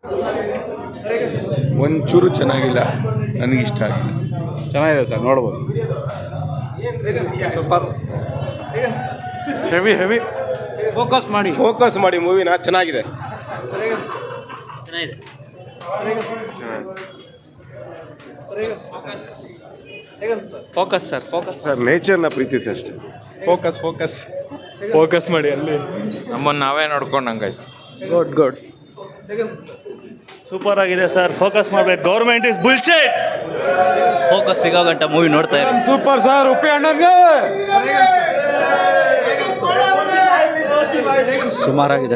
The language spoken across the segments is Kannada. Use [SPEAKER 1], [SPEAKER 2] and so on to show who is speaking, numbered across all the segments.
[SPEAKER 1] ಒಂಚೂರು ಚೆನ್ನಾಗಿಲ್ಲ, ನನಗಿಷ್ಟ ಆಗಿಲ್ಲ.
[SPEAKER 2] ಚೆನ್ನಾಗಿದೆ ಸರ್, ನೋಡ್ಬೋದು.
[SPEAKER 1] ಸೂಪರ್.
[SPEAKER 2] ಹೆವಿ
[SPEAKER 1] ಫೋಕಸ್ ಮಾಡಿ ಮೂವಿನ. ಚೆನ್ನಾಗಿದೆ.
[SPEAKER 3] ಫೋಕಸ್
[SPEAKER 1] ಸರ್ ನೇಚರ್ನ ಪ್ರೀತಿಸಿ ಅಷ್ಟೇ.
[SPEAKER 2] ಫೋಕಸ್ ಮಾಡಿ ಅಲ್ಲಿ.
[SPEAKER 3] ನಮ್ಮನ್ನು ನಾವೇ ನೋಡ್ಕೊಂಡಂಗಾಯ್ತು.
[SPEAKER 2] ಗುಡ್ ಸೂಪರ್ ಆಗಿದೆ ಸರ್. ಫೋಕಸ್ ಮಾಡ್ಬೇಕು. Government is bullshit.
[SPEAKER 3] ಫೋಕಸ್ ಸಿಗೋ ಗಂಟ ಮೂವಿ ನೋಡ್ತಾ ಇರಿ.
[SPEAKER 2] Super sir. ಉಪ್ಪಿ ಅಣ್ಣನ್ಗೆ
[SPEAKER 3] ಸುಮಾರಾಗಿದೆ.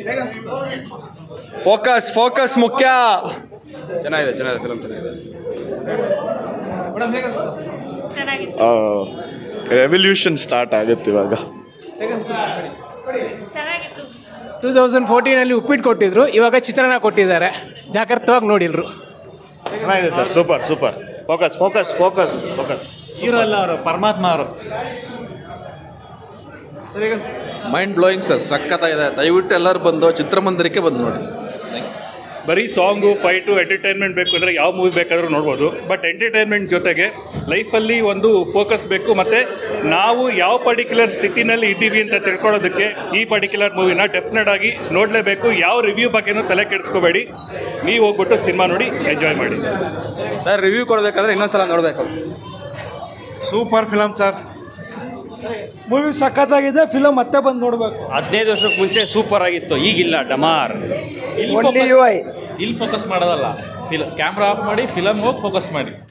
[SPEAKER 2] ಫೋಕಸ್ ಮುಖ್ಯ. ಚೆನ್ನಾಗಿದೆ ಫಿಲಮ್ ಚೆನ್ನಾಗಿದೆ. ರೆವಲ್ಯೂಷನ್ ಸ್ಟಾರ್ಟ್ ಆಗುತ್ತೆ ಇವಾಗ.
[SPEAKER 4] 2014 ಉಪ್ಪಿಟ್ಟು ಕೊಟ್ಟಿದ್ರು, ಇವಾಗ ಚಿತ್ರಾನ್ನ ಕೊಟ್ಟಿದ್ದಾರೆ. ಜಾಗ್ರತವಾಗಿ ನೋಡಿಲ್ರು.
[SPEAKER 2] ಚೆನ್ನಾಗಿದೆ ಸರ್. ಸೂಪರ್. ಫೋಕಸ್.
[SPEAKER 3] ಹೀರೋ ಎಲ್ಲ ಅವರು ಪರಮಾತ್ಮ ಅವರು.
[SPEAKER 5] ಮೈಂಡ್ ಬ್ಲೋಯಿಂಗ್ ಸರ್, ಸಖತ್ತಾಗಿದೆ. ದಯವಿಟ್ಟು ಎಲ್ಲರೂ ಬಂದು ಚಿತ್ರಮಂದಿರಕ್ಕೆ ಬಂದು ನೋಡಿ.
[SPEAKER 6] ಬರೀ ಸಾಂಗು, ಫೈಟು, ಎಂಟರ್ಟೈನ್ಮೆಂಟ್ ಬೇಕು ಅಂದರೆ ಯಾವ ಮೂವಿ ಬೇಕಾದರೂ ನೋಡ್ಬೋದು. ಬಟ್ ಎಂಟರ್ಟೈನ್ಮೆಂಟ್ ಜೊತೆಗೆ ಲೈಫಲ್ಲಿ ಒಂದು ಫೋಕಸ್ ಬೇಕು. ಮತ್ತು ನಾವು ಯಾವ ಪರ್ಟಿಕ್ಯುಲರ್ ಸ್ಥಿತಿನಲ್ಲಿ ಇದ್ದೀವಿ ಅಂತ ತಿಳ್ಕೊಳ್ಳೋದಕ್ಕೆ ಈ ಪರ್ಟಿಕ್ಯುಲರ್ ಮೂವಿನ ಡೆಫಿನೆಟ್ ಆಗಿ ನೋಡಲೇಬೇಕು. ಯಾವ ರಿವ್ಯೂ ಬಗ್ಗೆನೂ ತಲೆ ಕೆಡಿಸ್ಕೋಬೇಡಿ. ನೀವು ಹೋಗ್ಬಿಟ್ಟು ಸಿನಿಮಾ ನೋಡಿ ಎಂಜಾಯ್ ಮಾಡಿ.
[SPEAKER 3] ಸರ್ ರಿವ್ಯೂ ಕೊಡಬೇಕಾದ್ರೆ ಇನ್ನೊಂದ್ಸಲ ನೋಡಬೇಕು.
[SPEAKER 2] Super film sir. ಮೂವಿ ಸಖತ್ತಾಗಿದೆ. ಫಿಲಮ್ ಮತ್ತೆ ಬಂದು ನೋಡಬೇಕು.
[SPEAKER 3] 15 ವರ್ಷಕ್ಕೆ ಮುಂಚೆ ಸೂಪರ್ ಆಗಿತ್ತು, ಈಗಿಲ್ಲ ಡಮಾರ್. ಇಲ್ಲಿ ಫೋಕಸ್ ಮಾಡೋದಲ್ಲ, ಕ್ಯಾಮ್ರಾ ಆಫ್ ಮಾಡಿ ಫಿಲಮ್ ಹೋಗಿ ಫೋಕಸ್ ಮಾಡಿ.